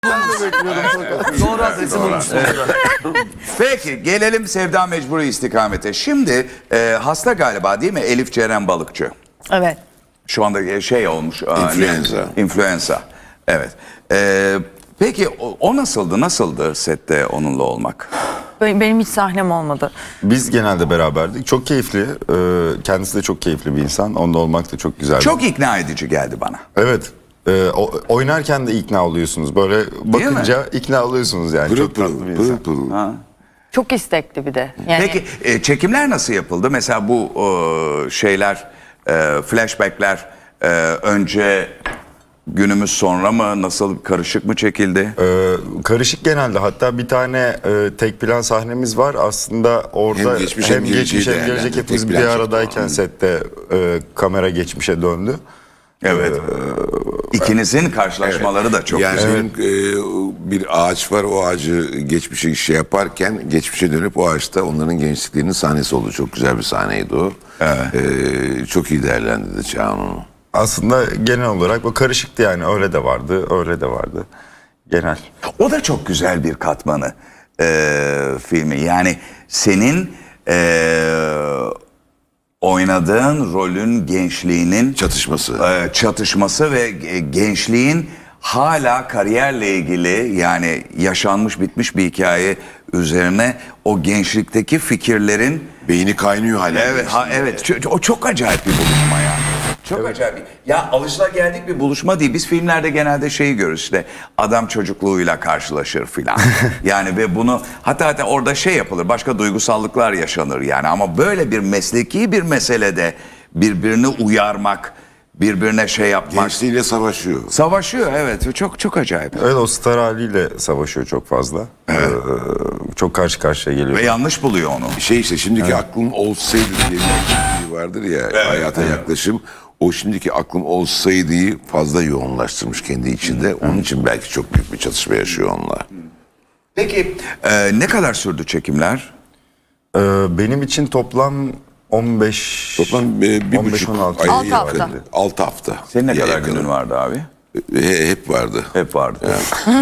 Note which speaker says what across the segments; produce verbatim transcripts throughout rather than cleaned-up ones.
Speaker 1: Doğru adresi bulmuşsun.
Speaker 2: Peki gelelim Sevda Mecburi istikamete. Şimdi e, hasta galiba değil mi Elif Ceren Balıkçı?
Speaker 3: Evet.
Speaker 2: Şu anda şey olmuş.
Speaker 4: İnfluenza.
Speaker 2: İnfluenza. Evet. E, peki o, o nasıldı? Nasıldı sette onunla olmak?
Speaker 3: Benim hiç sahnem olmadı.
Speaker 5: Biz genelde beraberdik. Çok keyifli. Ee, kendisi de çok keyifli bir insan. Onunla olmak da çok güzel.
Speaker 2: Çok ikna edici geldi bana.
Speaker 5: Evet. Ee, o, oynarken de ikna oluyorsunuz. Böyle bakınca ikna oluyorsunuz yani.
Speaker 4: Pırıl
Speaker 5: çok tatlı
Speaker 4: pırıl,
Speaker 5: bir
Speaker 4: pırıl
Speaker 5: insan.
Speaker 4: pırıl.
Speaker 2: Ha.
Speaker 3: Çok istekli bir de. Yani
Speaker 2: Peki e, çekimler nasıl yapıldı? Mesela bu e, şeyler, e, flashbackler e, önce günümüz sonra mı? Nasıl, karışık mı çekildi?
Speaker 5: Ee, karışık genelde. Hatta bir tane e, tek plan sahnemiz var. Aslında orada
Speaker 4: Hem geçmiş hem geleceği
Speaker 5: geçmiş hem
Speaker 4: değerlendirdi.
Speaker 5: gelecek hepimiz
Speaker 4: Tek
Speaker 5: bir
Speaker 4: plan çıktı
Speaker 5: aradayken
Speaker 4: o.
Speaker 5: sette e, kamera geçmişe döndü.
Speaker 2: Evet. İkinizin karşılaşmaları da çok
Speaker 4: Yani
Speaker 2: güzel.
Speaker 4: senin, e, bir ağaç var, o ağacı geçmişe şey yaparken geçmişe dönüp o ağaçta onların gençliklerinin sahnesi oldu. Çok güzel bir sahneydi o.
Speaker 2: Evet.
Speaker 4: E, çok iyi değerlendirdi Çağan onu.
Speaker 5: Aslında genel olarak o karışıktı yani. Öyle de vardı, öyle de vardı. Genel.
Speaker 2: O da çok güzel bir katmanı e, filmi. Yani senin e, oynadığın rolün gençliğinin
Speaker 4: Çatışması.
Speaker 2: e, çatışması ve e, gençliğin hala kariyerle ilgili, yani yaşanmış bitmiş bir hikaye üzerine o gençlikteki fikirlerin
Speaker 4: Beyni kaynıyor hala.
Speaker 2: evet ha, evet Ç- o çok acayip bir buluşma yani. Çok acayip. Ya alışılageldik bir buluşma değil. Biz filmlerde genelde şeyi görürüz, işte adam çocukluğuyla karşılaşır filan. Yani ve bunu hatta hatta orada şey yapılır, başka duygusallıklar yaşanır yani, ama böyle bir mesleki bir meselede birbirini uyarmak, birbirine şey yapmak.
Speaker 4: Gençliğiyle savaşıyor.
Speaker 2: Savaşıyor, evet, çok çok acayip.
Speaker 5: Evet, o star haliyle savaşıyor çok fazla. Ee, çok karşı karşıya geliyor.
Speaker 2: Ve yanlış buluyor onu.
Speaker 4: Şey işte şimdiki aklım olsaydı diye bir şey vardır ya, hayata yaklaşım. O şimdiki aklım olsaydı'yı fazla yoğunlaştırmış kendi içinde. Onun için belki çok büyük bir çatışma yaşıyor onunla.
Speaker 2: Peki e, ne kadar sürdü çekimler?
Speaker 5: Ee, benim için toplam on beş
Speaker 4: Toplam e, bir
Speaker 5: on beş
Speaker 4: buçuk
Speaker 5: on altı.
Speaker 4: ay
Speaker 3: Altı
Speaker 4: yakın.
Speaker 3: hafta.
Speaker 4: Altı hafta.
Speaker 2: Senin ne
Speaker 4: Bir
Speaker 2: kadar
Speaker 4: yakın.
Speaker 2: günün vardı abi?
Speaker 4: He- hep vardı.
Speaker 2: Hep vardı.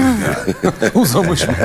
Speaker 1: Uzamış mı?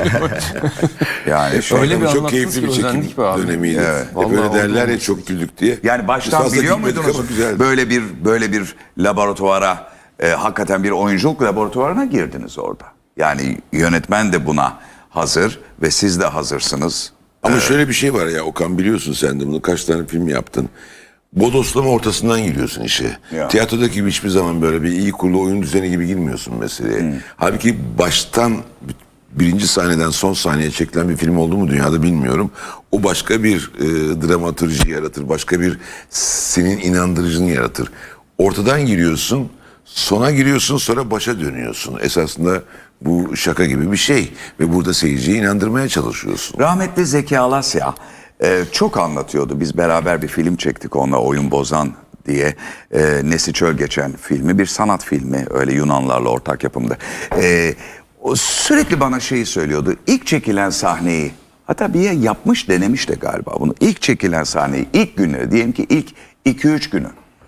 Speaker 2: Yani şey,
Speaker 1: Öyle bir
Speaker 4: Çok
Speaker 1: anlattınız
Speaker 4: keyifli
Speaker 1: ki
Speaker 4: bir çekim
Speaker 1: özendik be abi.
Speaker 4: dönemiydi.
Speaker 2: Evet.
Speaker 4: Hep
Speaker 1: Vallahi
Speaker 4: öyle derler
Speaker 1: oldu.
Speaker 4: ya, çok güldük diye.
Speaker 2: yani baştan
Speaker 4: Biz fazla
Speaker 2: biliyor
Speaker 4: gülmedik
Speaker 2: muydunuz
Speaker 4: ama güzeldi.
Speaker 2: böyle bir böyle bir laboratuvara, e, hakikaten bir oyunculuk laboratuvarına girdiniz orada. Yani yönetmen de buna hazır ve siz de hazırsınız.
Speaker 4: Ama şöyle bir şey var ya Okan, biliyorsun sen de bunu, kaç tane film yaptın. Bodoslama ortasından giriyorsun işe.
Speaker 2: Ya.
Speaker 4: Tiyatrodaki gibi hiçbir zaman böyle bir iyi kurulu oyun düzeni gibi girmiyorsun meseleye. Halbuki baştan birinci sahneden son sahneye çekilen bir film oldu mu dünyada bilmiyorum. O başka bir e, dramatürji yaratır. Başka bir senin inandırıcını yaratır. Ortadan giriyorsun, sona giriyorsun, sonra başa dönüyorsun. Esasında bu şaka gibi bir şey. Ve burada seyirciyi inandırmaya çalışıyorsun.
Speaker 2: Rahmetli Zeki Alasya e, çok anlatıyordu. Biz beraber bir film çektik onunla, Oyun Bozan diye. E, Nesi Çöl Geçen filmi, bir sanat filmi, öyle Yunanlarla ortak yapımdı. E, o sürekli bana şeyi söylüyordu. İlk çekilen sahneyi, hatta bir yer yapmış, denemiş de galiba bunu. İlk çekilen sahneyi, ilk günleri, diyelim ki ilk iki üç günü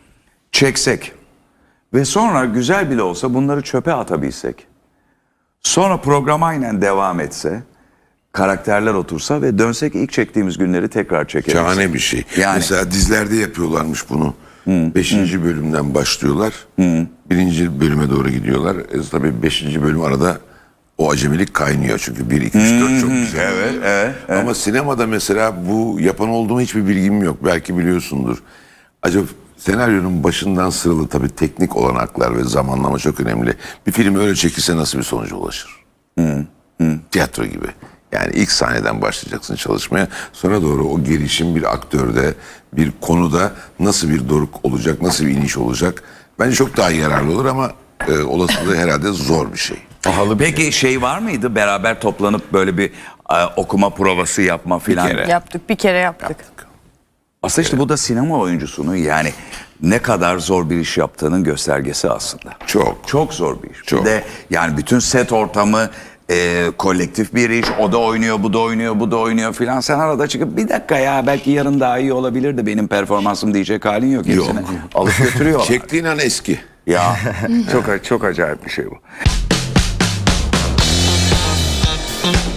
Speaker 2: çeksek ve sonra güzel bile olsa bunları çöpe atabilsek, sonra program aynen devam etse, karakterler otursa ve dönsek ilk çektiğimiz günleri tekrar çekebilsek.
Speaker 4: Şahane bir şey.
Speaker 2: Yani
Speaker 4: Mesela dizilerde yapıyorlarmış bunu. Beşinci bölümden başlıyorlar. Birinci bölüme doğru gidiyorlar. E, tabii beşinci bölüm arada o acemilik kaynıyor. Çünkü bir, iki, üç, dört çok güzel.
Speaker 2: evet, evet, evet.
Speaker 4: Ama sinemada mesela bu yapan oldu mu hiçbir bilgim yok. Belki biliyorsundur. Acaba senaryonun başından sıralı, tabii teknik olanaklar ve zamanlama çok önemli. Bir film öyle çekilse nasıl bir sonuca ulaşır? Tiyatro gibi. Yani ilk sahneden başlayacaksın çalışmaya. Sonra doğru o gelişim bir aktörde, bir konuda nasıl bir doruk olacak, nasıl bir iniş olacak. Bence çok daha yararlı olur ama e, olasılığı herhalde zor bir şey.
Speaker 2: Peki şey var mıydı, beraber toplanıp böyle bir e, okuma provası yapma filan?
Speaker 4: kere.
Speaker 3: yaptık. Bir kere yaptık.
Speaker 2: Aslında işte bu da sinema oyuncusunun yani ne kadar zor bir iş yaptığının göstergesi aslında.
Speaker 4: Çok.
Speaker 2: Çok zor bir iş.
Speaker 4: Çok.
Speaker 2: Bir de yani bütün set ortamı e, kolektif bir iş. O da oynuyor, bu da oynuyor, bu da oynuyor filan. Sen arada çıkıp bir dakika ya belki yarın daha iyi olabilir de benim performansım diyecek halin yok. Hepsini
Speaker 4: Yok.
Speaker 2: alıp götürüyorlar.
Speaker 4: Çektiğin an eski.
Speaker 2: Ya çok çok acayip bir şey bu. Görüşürüz.